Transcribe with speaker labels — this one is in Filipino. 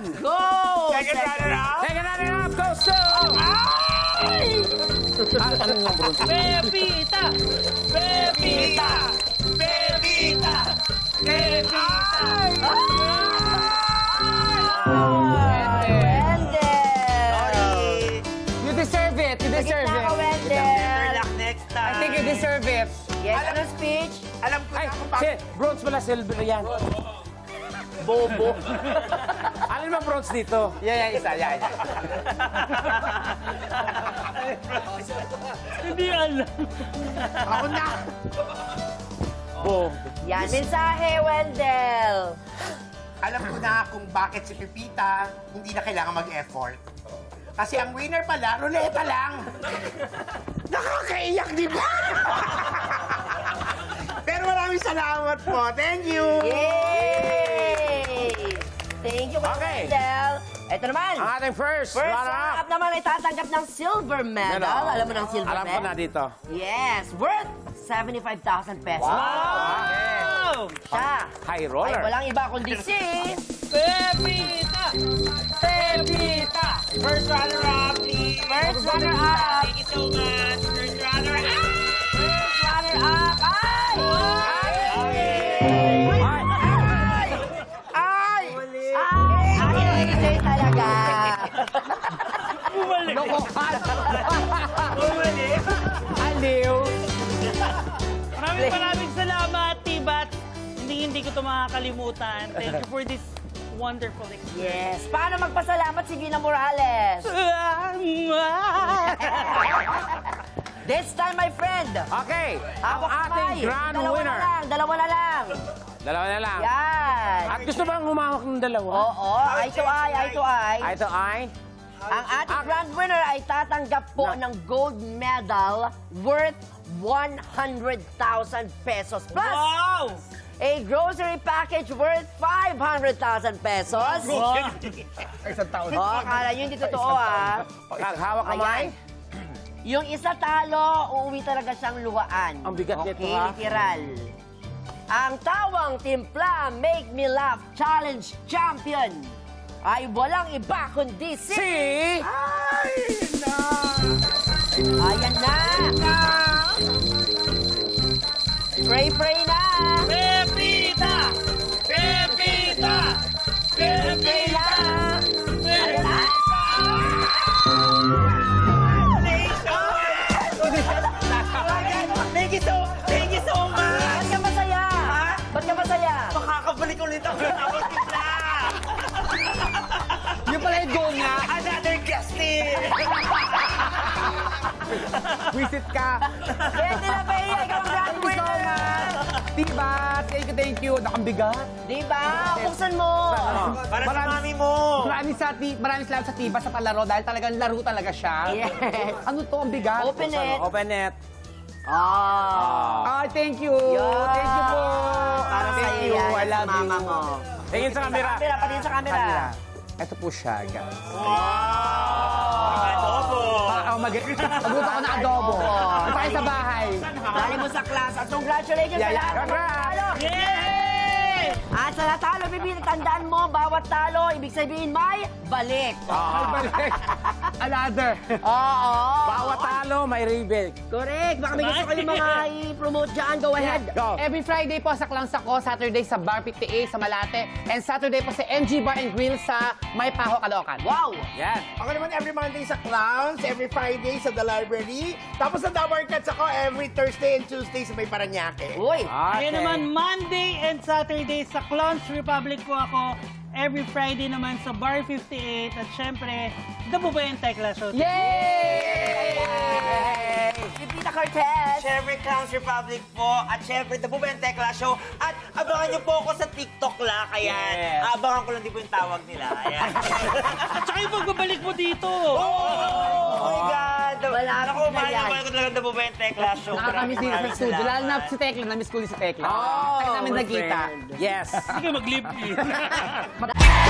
Speaker 1: Go!
Speaker 2: Second runner-up.
Speaker 3: Second runner-up goes to... Ano yung bronze?
Speaker 1: Pepita! Pepita!
Speaker 2: Pepita! Pepita!
Speaker 1: Wendell!
Speaker 3: You deserve it. You deserve
Speaker 1: Gitna ka,
Speaker 3: it.
Speaker 2: Better
Speaker 1: Wendell!
Speaker 2: luck next time.
Speaker 3: I think you deserve it.
Speaker 1: Yes, ano speech?
Speaker 2: Alam ko
Speaker 3: Ay,
Speaker 2: na kung bakit.
Speaker 3: bronze pala, silver yan.
Speaker 1: Bobo.
Speaker 3: Alin ba bronze dito?
Speaker 2: Yan, isa. Yan.
Speaker 1: Hindi alam.
Speaker 2: Ako na.
Speaker 3: Oh.
Speaker 1: Yan, mensahe, Wendell.
Speaker 2: Alam ko na kung bakit si Pepita hindi na kailangan mag-effort. Kasi ang winner pala, ruleta lang. Nakakaiyak, di ba? Pero maraming salamat po. Thank you.
Speaker 1: Yay! Thank you,
Speaker 3: Okay.
Speaker 1: Wendell. Ito naman.
Speaker 3: Ang ating first
Speaker 1: First
Speaker 3: runner-up.
Speaker 1: up naman ay tatanggap ng silver medal.
Speaker 3: Ano?
Speaker 1: Alam mo ng silver
Speaker 3: Alam ko
Speaker 1: medal?
Speaker 3: na dito.
Speaker 1: Yes, worth 75,000 pesos.
Speaker 3: Wow!
Speaker 1: Siya.
Speaker 3: High
Speaker 1: Ay,
Speaker 3: roller.
Speaker 1: walang iba kundi si...
Speaker 2: Pepita!
Speaker 1: Pepita!
Speaker 2: First runner-up, please.
Speaker 1: First runner-up.
Speaker 2: Thank you so much. First runner-up.
Speaker 1: First runner-up. Ay!
Speaker 3: Ay!
Speaker 1: Ay, ay, talaga.
Speaker 3: Lokohan! Aliw!
Speaker 4: Maraming salamat, Tibat. Hindi ko ito makakalimutan. Thank you for this wonderful experience.
Speaker 1: Yes. Paano magpasalamat si Gina Morales? This time, my friend.
Speaker 3: Okay, ang
Speaker 1: Hawak
Speaker 3: ating
Speaker 1: kamay.
Speaker 3: grand
Speaker 1: Dalawa
Speaker 3: winner.
Speaker 1: na lang, dalawa na lang.
Speaker 3: Dalawa na lang.
Speaker 1: Yan.
Speaker 3: At gusto bang humawak ng dalawa?
Speaker 1: Oo, eye to eye, eye to eye.
Speaker 3: Ay, ito ay...
Speaker 1: Ang ating grand winner ay tatanggap po ng gold medal worth 100,000 pesos plus
Speaker 4: Wow!
Speaker 1: a grocery package worth 500,000 pesos.
Speaker 2: Isang taon.
Speaker 1: Oh, akala nyo hindi totoo ah.
Speaker 3: Hawak kamay.
Speaker 1: Ayan. Yung isa talo, uuwi talaga siyang luhaan.
Speaker 3: Ang bigat
Speaker 1: okay,
Speaker 3: nito, ha?
Speaker 1: literal. Ang tawang timpla Make Me Laugh Challenge Champion ay walang iba kundi si... Ayan na! Pray na!
Speaker 4: Pepita! Pepita!
Speaker 1: Pray na! Ayan na!
Speaker 2: Thank you so much.
Speaker 1: Ba't ka masaya? Ba't ka masaya?
Speaker 2: Makakabalik ulit ako ng tawag kita.
Speaker 3: Yung pala yung goal niya.
Speaker 2: Another guesting.
Speaker 3: Visit ka.
Speaker 1: Betty La Bella, ikaw ang grand winner!
Speaker 3: Diba? Thank you. Nakambigat.
Speaker 1: Diba? Buksan mo!
Speaker 2: Para sa mami mo.
Speaker 3: Maraming salamat sa Tiba sa palaro dahil talagang laro talaga siya.
Speaker 1: Yes.
Speaker 3: Ano to? Ang bigat.
Speaker 1: Open it.
Speaker 3: Open it.
Speaker 1: Ah.
Speaker 3: Thank you.
Speaker 1: Yeah.
Speaker 3: Thank you po.
Speaker 1: Para
Speaker 3: Thank
Speaker 1: sa'yo
Speaker 3: you.
Speaker 1: yan,
Speaker 3: I love
Speaker 1: sa mama
Speaker 3: you.
Speaker 1: mo.
Speaker 3: Tingin sa camera.
Speaker 1: Patingin sa camera.
Speaker 3: Ito po siya, guys.
Speaker 2: Adobo.
Speaker 3: Magluto ko na adobo. Tayo sa bahay.
Speaker 1: Dali mo sa class. At congratulations sa
Speaker 3: Yeah,
Speaker 1: lahat ng mga
Speaker 3: congrats.
Speaker 1: talo.
Speaker 4: Yay!
Speaker 1: At sa natalo, Bibi, tandaan mo, bawat talo, ibig sabihin may balik.
Speaker 3: Balik. Another.
Speaker 1: Oo.
Speaker 3: Bawat talo, may rebate.
Speaker 1: Correct. Baka may gusto kayong mga i-promote dyan. Go ahead.
Speaker 3: Go.
Speaker 5: Every Friday po sa Clowns ako, Saturday sa Bar 58 sa Malate, and Saturday po sa MG Bar and Grill sa May Paho, Caloocan.
Speaker 1: Wow.
Speaker 3: Yan.
Speaker 2: Ako naman every Monday sa Clowns, every Friday sa The Library. Tapos sa Dabar Cats ako every Thursday and Tuesday sa May Paranaque.
Speaker 1: Uy.
Speaker 4: Kaya naman, Monday and Saturday sa Clowns Republic po ako. Every Friday naman sa Bar 58. At syempre, The Bubay and Tekla Show.
Speaker 3: Yay!
Speaker 1: Pipita Cortez.
Speaker 6: Syempre, Clowns Republic po. At syempre, The Bubay and Tekla Show. At abangan niyo po ako sa TikTok la. Kaya abangan ko lang din po yung tawag nila. Ayan.
Speaker 4: At saka yung pagbabalik mo dito.
Speaker 6: Oh my God!
Speaker 1: Malapit
Speaker 6: Naku,
Speaker 1: na yan.
Speaker 6: mahal ko talaga The Bubay and Tekla Show.
Speaker 5: Nakakamiss dito sa studio. Lalo na si Tekla, namiss ko ulit si Tekla. Kaya namin nagkita.
Speaker 3: Yes.
Speaker 4: Hindi ka mag-live in.